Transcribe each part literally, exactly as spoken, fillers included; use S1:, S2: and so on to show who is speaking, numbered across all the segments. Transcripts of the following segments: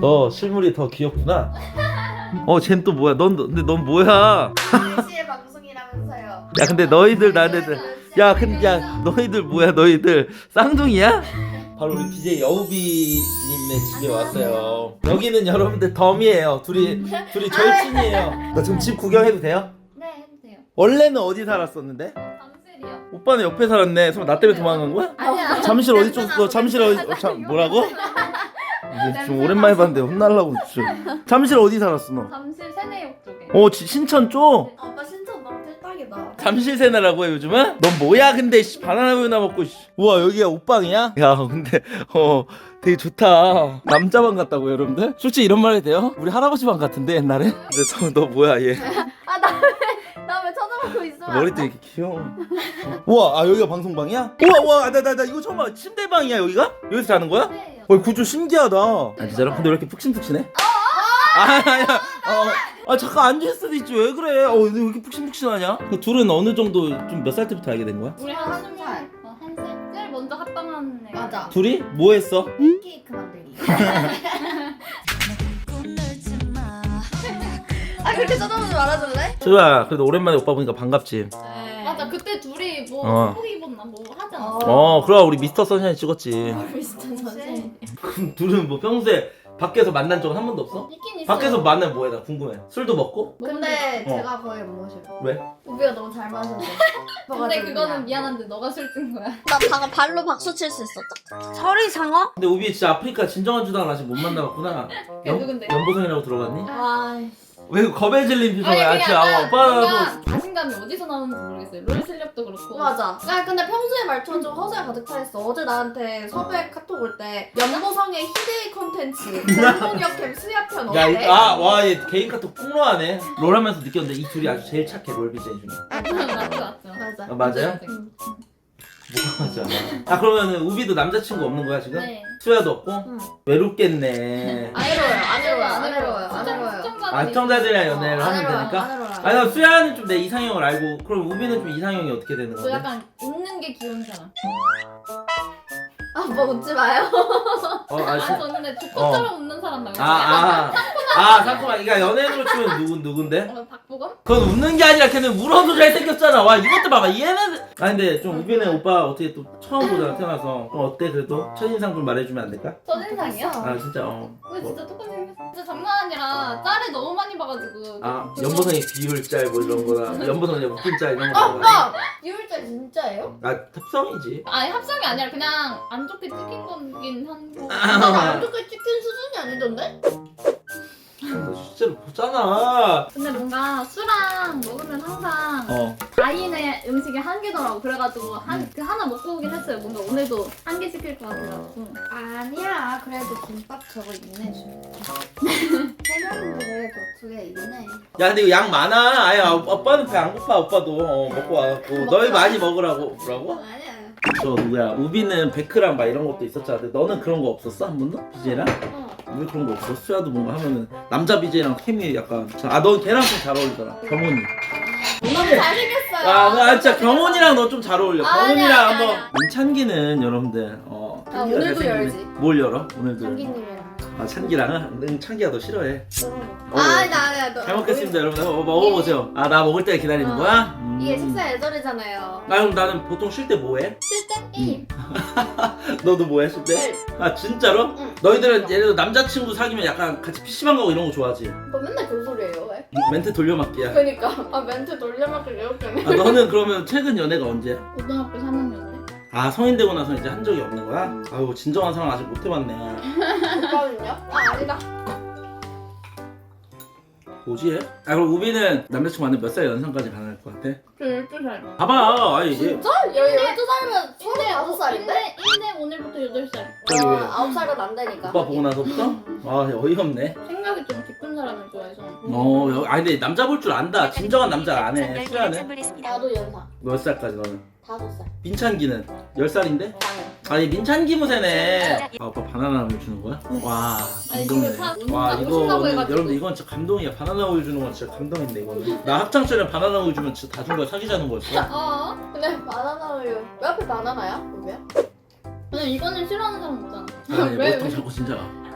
S1: 어 실물이 더 귀엽구나. 어 쟨 또 뭐야? 넌 근데 넌 뭐야?
S2: 시의 방송이라면서요.
S1: 야 근데 너희들 나네들 야 근데 야 너희들 뭐야 너희들 쌍둥이야? 바로 우리 비제이 여우비님의 집에 왔어요. 여기는 여러분들 덤이에요. 둘이 둘이 절친이에요. 나 지금 집 구경해도 돼요?
S3: 네, 해도 돼요.
S1: 원래는 어디 살았었는데?
S3: 잠실이요.
S1: 오빠는 옆에 살았네. 설마 나 때문에 도망간 거야?
S3: 아니야.
S1: 잠실 어디 쪽? 너 잠실 어디? 어, 참 뭐라고? 이게 좀 오랜만에 봤는데 혼날라고 좀. 잠실 어디 살았어 너?
S3: 잠실 세내역 쪽에.
S1: 어 지- 신천 쪽?
S2: 아, 오빠 신청 너무 뜰딱이다.
S1: 잠실 세나라고 해 요즘은? 넌 뭐야 근데 씨, 바나나 우유나 먹고 씨. 우와 여기가 옷방이야? 야 근데 어 되게 좋다. 남자방 같다고 여러분들? 솔직히 이런 말 해도 돼요? 우리 할아버지 방 같은데 옛날에? 근데 너, 너 뭐야 얘?
S2: 아, 나 왜, 나 왜 쳐다보고 있어?
S1: 머리도 이렇게 귀여워. 우와 아 여기가 방송방이야? 우와 우와 나 나 나 이거 처음 봐. 침대방이야 여기가? 여기서 자는 거야?
S3: 네.
S1: 어 구조 신기하다. 아 진짜로? 근데 왜 이렇게 푹신푹신해? 아야 어, 아 잠깐 앉을 수도 있지 왜 그래? 어 근데 왜 이렇게 푹신푹신하냐? 그 둘은 어느 정도 좀 몇 살 때부터 알게 된 거야?
S3: 우리
S2: 한
S3: 한
S2: 살.
S3: 살. 어, 한 살. 제일 먼저 합방한 애.
S2: 맞아.
S1: 둘이 뭐 했어?
S2: 케이크 만들기. 아, 그렇게 쳐다보지 말아줄래?
S1: 수아 그래도 오랜만에 오빠 보니까 반갑지.
S2: 네.
S3: 맞아. 그때 둘이 뭐
S1: 어.
S3: 한복 입었나 뭐 하지 않았어?
S1: 어 그럼 우리 미스터 선샤인 찍었지.
S2: 비슷한 선생.
S1: 그럼 둘은 뭐 평소에 밖에서 만난 적은 한 번도 없어?
S3: 있긴 있어.
S1: 밖에서 만나면 뭐해? 나 궁금해. 술도 먹고?
S2: 근데
S1: 어.
S2: 제가 거의 못 마셔요.
S1: 왜?
S2: 우비가 너무 잘 마셔서.
S3: 근데 그거는 미안한데 너가 술뜬 거야.
S2: 나 방금 발로 박수 칠 수 있어. 설이 상어?
S1: 근데 우비 진짜 아프리카 진정한 주당을 아직 못 만나봤구나.
S3: 그게 누군데?
S1: 연보성이라고 들어갔니?
S2: 와.
S1: 왜 겁에 질린 표정이야?
S3: 아니
S1: 아치
S3: 그냥
S1: 아
S3: 약간
S1: 오빠도
S3: 뭔가 자신감이 어디서 나오는지 모르겠어요. 롤 실력도 그렇고.
S2: 맞아. 아 근데 평소에 말투는 좀 허세가 가득 차 있어. 어제 나한테 섭외 카톡 올 때 연보성의 희대의 콘텐츠 공공역캠 수야편
S1: 야,
S2: 어때?
S1: 아와 얘 개인 카톡 폭로하네. 롤하면서 느꼈는데 이 둘이 아주 제일 착해 롤 비제이 중에.
S3: 맞죠, 맞죠.
S2: 맞아.
S1: 아, 맞아요?
S3: 응.
S1: 뭐가 맞아? 아 그러면은 우비도 남자친구 없는 거야 지금?
S3: 네.
S1: 수야도 없고?
S2: 응.
S1: 외롭겠네.
S2: 안 외로워요. 안 외로워요. 안 외로워요. 안 외로워요.
S1: 아 시청자들이랑 연애를
S2: 안
S1: 하면
S2: 외로워요.
S1: 되니까?
S2: 안 외로워요.
S1: 아니 나 수야는 좀 내 이상형을 알고 그럼 우비는 좀 이상형이 어떻게 되는
S3: 저
S1: 건데?
S3: 약간 웃는 게 귀여운 사람.
S2: 아, 뭐 웃지 마요.
S1: 어, 아,
S3: 아니
S1: 시...
S3: 저는 근데 조커처럼 웃는 사람 말고.
S1: 아, 아, 아, 잠깐만. 그러니까 연예인으로 치면 누군 누군데?
S3: 어, 박보검?
S1: 그건 웃는 게 아니라 걔는 울어도 잘생겼잖아. 와 이것도 봐봐. 얘는. 아 근데 좀 우비는 오빠 어떻게 또 처음 보잖아 태어나서. 좀 어때 그래도 첫인상 좀 말해주면 안 될까?
S3: 첫인상이요?
S1: 아 진짜 어.
S3: 근데
S1: 뭐.
S3: 진짜 똑같이 생겼어. 진짜 장난 아니라 짤을 너무 많이 봐가지고.
S1: 아 연보성의 비율짤 뭐 이런 거나 연보성의 웃긴짤 이런 거.
S2: 아,
S1: 봐.
S2: 오빠! 비율자 진짜예요?
S1: 아 합성이지.
S3: 아니 합성이 아니라 그냥 안 좋게 찍힌 거긴 한 거.
S2: 나 안좋게 찍힌 수준이 아니던데?
S1: 너 실제로 보잖아.
S3: 근데 뭔가 술랑 먹으면 항상
S1: 어.
S3: 다인의 음식이 한 개더라고. 그래가지고 한 그 하나 먹고 오긴 했어요. 뭔가 오늘도 한 개 시킬 것 같아가지고.
S2: 아니야. 그래도 김밥 저거 있네. 세 명인데 그래도 두 개 있네.
S1: 야 근데 이거 양 많아. 아예 오빠는 배 안 고파 오빠도 어, 먹고 와갖고 너희 많이 먹으라고 뭐라고?
S2: 아니야.
S1: 저 누구야 우비는 베크랑 막 이런 것도 있었잖아. 근데 너는 그런 거 없었어 한 번도? 비제이랑?
S2: 어.
S1: 왜 그런 거 없어? 수야도 뭔가 하면은 남자 비제이랑 케미 약간 아 넌 걔랑 좀 잘 어울리더라. 경훈이.
S2: 너무 잘생겼어요.
S1: 아, 나 진짜 경훈이랑 너 좀 잘 어울려.
S2: 아니야,
S1: 경훈이랑
S2: 아니야,
S1: 한번
S2: 아니야.
S1: 민찬기는 여러분들 어.
S2: 아,
S1: 찬기가
S2: 오늘도
S1: 잘생기네.
S2: 열지.
S1: 뭘 열어? 오늘도.
S2: 창기님이랑.
S1: 아 찬기랑은? 응 찬기가 너 싫어해. 어,
S2: 아, 나, 나, 너.
S1: 잘 먹겠습니다 여러분들. 어, 먹어보세요. 아 나 먹을 때 기다리는
S2: 어.
S1: 거야? 음.
S2: 이게 식사 예절이잖아요.
S1: 아 그럼 나는 보통 쉴 때 뭐해?
S2: 쉴 때? 게임.
S1: 너도 뭐해 쉴 때? 아 진짜로?
S2: 응.
S1: 너희들은 예를 들어 남자친구 사귀면 약간 같이 피시방 가고 이런 거 좋아하지?
S2: 오빠 맨날 그 소리예요, 왜?
S1: 멘트 돌려막기야.
S2: 그니까. 아, 멘트 돌려막기 이렇게 해.
S1: 아 너는 그러면 최근 연애가 언제야?
S3: 고등학교 삼 학년 때.
S1: 아 성인 되고 나서 이제 한 적이 없는 거야? 아유 진정한 사랑 아직 못 해봤네.
S2: 오빠는요? 아, 아니다.
S1: 뭐지? 아 그럼 우비는 남자친구 만나면 몇 살 연상까지 가능할 것 같아?
S3: 저 열두 살.
S1: 봐봐 아니 이게
S2: 진짜? 열두 살이면 서른다섯 살인데?
S3: 인생 오늘부터 여덟 살.
S1: 저기 왜
S2: 아홉 살은 안 되니까.
S1: 오빠 보고 나서부터? 아 어이없네.
S3: 생각이 좀 깊은 사람을 좋아해서.
S1: 어 여- 아니 근데 남자 볼 줄 안다. 진정한 남자 안 해. 수야는?
S2: 나도 연상.
S1: 몇 살까지 너는?
S2: 다섯 살.
S1: 민찬기는? 열 살인데?
S2: 나는.
S1: 아니 민찬기 무새네. 아 오빠 바나나 우유 주는 거야? 와
S3: 아니,
S1: 감동이네.
S3: 집에 사-
S1: 와
S3: 오신다고
S1: 이거
S3: 해가지고.
S1: 여러분들 이건 진짜 감동이야. 바나나 우유 주는 건 진짜 감동인데 이거는. 나 학창 시절에 바나나 우유 주면 진짜 다 준 거야. 사귀자는 거였어.
S3: 어?
S2: 근데 바나나 우유. 왜 앞에 바나나야? 우유야?
S3: 근데 이거는 싫어하는 사람 없잖아.
S1: 아니
S3: 왜,
S1: 보통
S3: 왜?
S1: 자꾸 진짜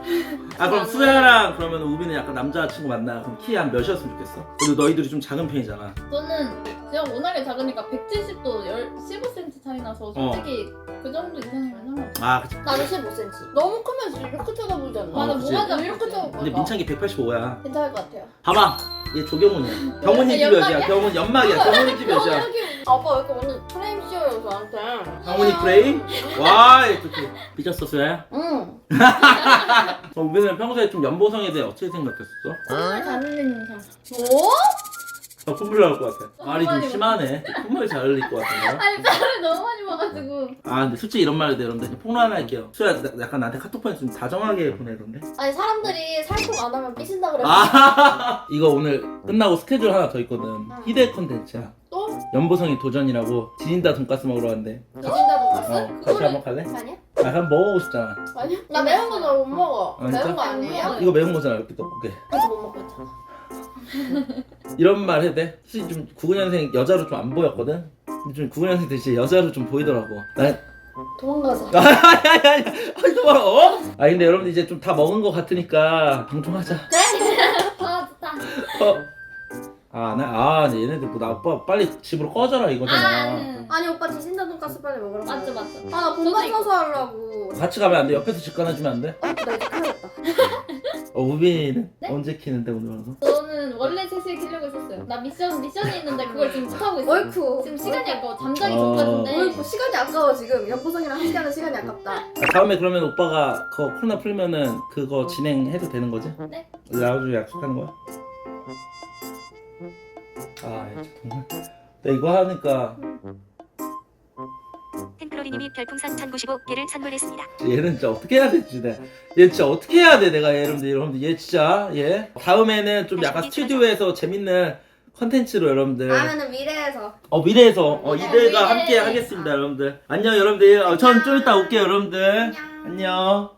S1: 아 그럼 수야랑 그러면 우빈은 약간 남자친구 만나. 그럼 키 한 몇이었으면 좋겠어? 그리고 너희들이 좀 작은 편이잖아.
S3: 저는 제가 워낙에 작으니까 백칠십도 십오 센티미터 차이 나서 솔직히 그 정도 이상이면 상관없어.
S1: 아 그치.
S2: 나도 십오 센티미터. 너무 크면 이렇게 쳐다보지 않나?
S3: 맞아,
S1: 그치.
S3: 뭐가
S2: 이렇게 쳐다보고.
S1: 근데 민창이 백팔십오야.
S2: 괜찮을 것 같아요.
S1: 봐봐. 얘 조경훈이야. 경훈이 키
S3: 연막이야?
S1: 몇이야? 경훈 연막이야. 경훈이 키 몇이야?
S2: 아빠 왜 이렇게 오늘 프레임 씌워요 저한테?
S1: 경훈이 프레임? 와 이렇게 삐졌어 수야야?
S2: 응.
S1: 어, 우빈은 평소에 좀 연보성에 대해 어떻게 생각했었어?
S3: 정말 잘 흘리는 인상.
S2: 뭐?
S1: 나 콧물 나올 것 같아. 말이 좀 심하네. 콧물 잘 흘릴 것 같은데.
S3: 아니 짤을 너무 많이 봐가지고.
S1: 아 근데 솔직히 이런 말을 해 여러분들 폭로할게요. 수야 나- 약간 나한테 카톡 보내서 좀 다정하게 보내던데.
S2: 아니 사람들이 살통 안 하면 삐진다 그래.
S1: 아 이거 오늘 끝나고 스케줄 하나 더 있거든. 희대 컨텐츠야.
S2: 또?
S1: 연보성이 도전이라고 지진다 돈가스 먹으러 왔는데.
S2: 삐진다 돈가스?
S1: 어 같이 한번 갈래?
S2: 아니야?
S1: 아 한번 먹어보고 싶잖아.
S2: 아니야? 나 매운 거 잘 못 먹어.
S1: 아, 진짜?
S2: 매운 거 아니에요?
S1: 이거 매운 거잖아 이렇게 떡볶이.
S2: 그래서 못 먹고 있잖아.
S1: 이런 말 해도 돼? 솔직히 좀 구십구 년생 여자로 좀 안 보였거든? 근데 좀 구십구 년생 대신 여자로 좀 보이더라고. 난
S2: 도망가자.
S1: 아니 아니 아니 아니 또 봐, 어? 아 근데 여러분들 이제 좀 다 먹은 거 같으니까 방송하자.
S3: 아 좋다.
S1: 어? 아나아 아, 얘네들 뭐나 오빠 빨리 집으로 꺼져라
S3: 아,
S1: 이거잖아.
S3: 응.
S2: 아니 오빠 디진다 돈가스 빨리 먹으라고.
S3: 맞죠 맞죠.
S2: 아나 본방 사서 하려고.
S1: 같이 가면 안 돼? 옆에서 집 가놔주면 안 돼?
S2: 어, 나 이제 가야겠다.
S1: 어 우빈이는
S3: 네?
S1: 언제 키는데 오늘 와서?
S3: 저는 원래 세 시에 키려고 했었어요. 나 미션 미션이 있는데 그걸 지금 못 하고 있어.
S2: 어이쿠.
S3: 지금 시간이 아까워. 잠자기
S1: 어.
S3: 전까지인데.
S2: 어이쿠 시간이 아까워 지금. 연보성이랑 한 시간은 시간이 아깝다.
S1: 아, 다음에 그러면 오빠가 그거 코로나 풀면은 그거 진행해도 되는 거지?
S3: 네.
S1: 나와주고 약속하는 거야? 아 정말 나 이거 하니까
S4: 템플로리님이 별풍선 천구십오 개를 선물했습니다.
S1: 얘는 진짜 어떻게 해야 될지 내가 얘 진짜 어떻게 해야 돼 내가 여러분들 여러분들 얘 진짜 얘 다음에는 좀 약간 스튜디오에서 재밌는 컨텐츠로 여러분들
S2: 다음에는 미래에서.
S1: 어 미래에서 어
S2: 미래,
S1: 이들과
S3: 미래.
S1: 함께 하겠습니다 여러분들 안녕 여러분들 어, 전 좀 이따 올게요 여러분들 안녕